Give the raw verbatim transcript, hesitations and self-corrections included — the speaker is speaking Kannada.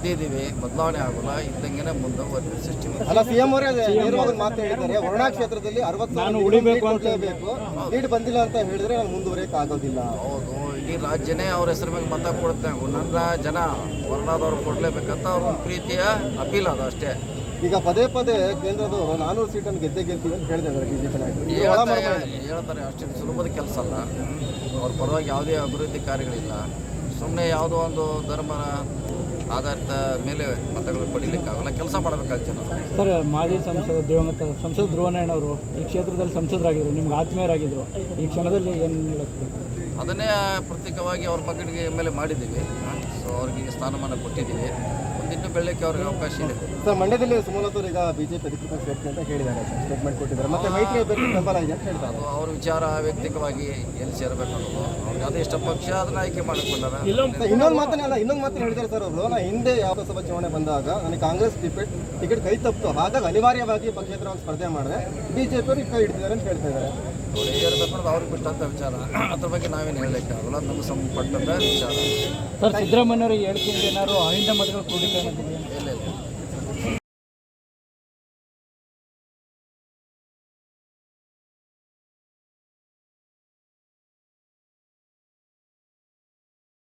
ಗೆದ್ದಿದ್ದೀವಿ, ಬದಲಾವಣೆ ಆಗೋಲ್ಲ, ಇದ್ದಂಗೆ ಮುಂದುವರೆದ ಸಿಸ್ಟಮ್. ಅಲ್ಲ, ಸಿಎಂ ಅವರೇ ನೇರವಾಗಿ ಮಾತು ಹೇಳಿದ್ದಾರೆ, ವರುಣಾ ಕ್ಷೇತ್ರದಲ್ಲಿ ಅರವತ್ತು ನಾನು ಉಳಿಬೇಕು ಅಂತ ಬೇಕು, ಲೀಡ್ ಬಂದಿಲ್ಲ ಅಂತ ಹೇಳಿದ್ರೆ ನಾನು ಮುಂದುವರಿಯಕ್ಕೆ ಆಗೋದಿಲ್ಲ. ಹೌದು, ಇಡೀ ರಾಜ್ಯನೇ ಅವ್ರ ಹೆಸರು ಮೇಲೆ ಮತ ಕೊಡುತ್ತೆ. ನನ್ನ ಜನ ವರ್ಣಾದವ್ರು ಕೊಡಲೇಬೇಕಂತ ಅವ್ರ ಒಂದು ಪ್ರೀತಿಯ ಅಪೀಲ್ ಅದು ಅಷ್ಟೇ. ಈಗ ಪದೇ ಪದೇ ಕೇಂದ್ರದವರು ನಾನೂರು ಸೀಟನ್ನು ಗೆದ್ದೆ ಗೆಲ್ತೀವಿ ಅಂತ ಹೇಳಿದ್ದಾರೆ ಬಿಜೆಪಿ ನಾಯಕರು. ಹೇಳ್ತಾರೆ, ಅಷ್ಟು ಸುಲಭದ ಕೆಲಸ ಅಲ್ಲ. ಅವ್ರ ಪರವಾಗಿ ಯಾವುದೇ ಅಭಿವೃದ್ಧಿ ಕಾರ್ಯಗಳಿಲ್ಲ. ಸುಮ್ಮನೆ ಯಾವುದೋ ಒಂದು ಧರ್ಮ ಆಧಾರಿತ ಮೇಲೆ ಮತಗಳು ಪಡೀಲಿಕ್ಕಾಗಲ್ಲ, ಕೆಲಸ ಮಾಡಬೇಕಾಗ್ತದೆ ನಾವು. ಸರ್, ಮಾಜಿ ಸಂಸದ ದಿವಂಗತ ಸಂಸದ ಧ್ರುವನಾರಾಯಣವರು ಈ ಕ್ಷೇತ್ರದಲ್ಲಿ ಸಂಸದರಾಗಿದ್ದರು, ನಿಮ್ಗೆ ಆತ್ಮೀಯರಾಗಿದ್ದರು. ಈ ಕ್ಷಣದಲ್ಲಿ ಏನು ಹೇಳುತ್ತೆ? ಅದನ್ನೇ ಪ್ರತ್ಯೇಕವಾಗಿ ಅವ್ರ ಮಗನಿಗೆ ಎಮ್ ಎಲ್ ಎ ಮಾಡಿದ್ದೀವಿ. ಸೊ ಅವ್ರಿಗೆ ಸ್ಥಾನಮಾನ ಕೊಟ್ಟಿದ್ದೀವಿ. ಮುಂದಿನ್ನು ಬೆಳಕ್ಕೆ ಅವ್ರಿಗೆ ಅವಕಾಶ ಇದೆ. ಸರ್, ಮಂಡ್ಯದಲ್ಲಿ ಸುಮಲತಾ ಈಗ ಬಿಜೆಪಿ ಅಧಿಕೃತ ಸೇರ್ತೀನಿ ಅಂತ ಹೇಳಿದ್ದಾರೆ, ಸ್ಟೇಟ್ಮೆಂಟ್ ಕೊಟ್ಟಿದ್ದಾರೆ. ಮತ್ತೆ ಮೈತ್ರಿ ಅಭ್ಯರ್ಥಿ ಬೆಂಬಲ ಇದೆ ಅಂತ ಹೇಳ್ತಾರೆ. ಅದು ಅವ್ರ ವಿಚಾರ, ವ್ಯಕ್ತಿಗವಾಗಿ ಎಲ್ಲಿ ಸೇರಬೇಕು ಅನ್ನೋದು ಅವ್ರಿಗೆ ಅದು ಇಷ್ಟ ಪಕ್ಷ ಅದನ್ನ ಆಯ್ಕೆ ಮಾಡಿಕೊಂಡಾರ. ಇನ್ನೊಂದು ಮಾತನ್ನ ಇನ್ನೊಂದು ಮಾತನ್ನ ಹೇಳಿದ್ದಾರೆ ಸರ್ ಅವರು, ನಾ ಹಿಂದೆ ಯಾವ ಲೋಕಸಭಾ ಚುನಾವಣೆ ಬಂದಾಗ ನನಗೆ ಕಾಂಗ್ರೆಸ್ ಟಿಕೆಟ್ ಟಿಕೆಟ್ ಕೈ ತಪ್ಪಿತು, ಹಾಗಾಗಿ ಅನಿವಾರ್ಯವಾಗಿ ಪಕ್ಷೇತರವಾಗಿ ಸ್ಪರ್ಧೆ ಮಾಡಿದೆ, ಬಿಜೆಪಿ ಅವರು ಕೈ ಹಿಡಿದಿದ್ದಾರೆ ಅಂತ ಹೇಳ್ತಾ ಇದ್ದಾರೆ. ಅವ್ರು ಹೇಳಬೇಕು ಅನ್ನೋದು ಅವ್ರಿಗೆ ಬಿಟ್ಟಂಥ ವಿಚಾರ. ಅದ್ರ ಬಗ್ಗೆ ನಾವೇನು ಹೇಳಲಿಕ್ಕಾಗಲ್ಲ, ನಮಗೆ ಸಂಬಂಧಪಟ್ಟಂಥ ವಿಚಾರ. ಸರ್, ಸಿದ್ದರಾಮಯ್ಯವ್ರಿಗೆ ಹೇಳ್ತೀನಿ ಏನಾದ್ರು ಅಹಿಂದ ಮತಗಳು ಕ್ರೋಢೀಕರಣ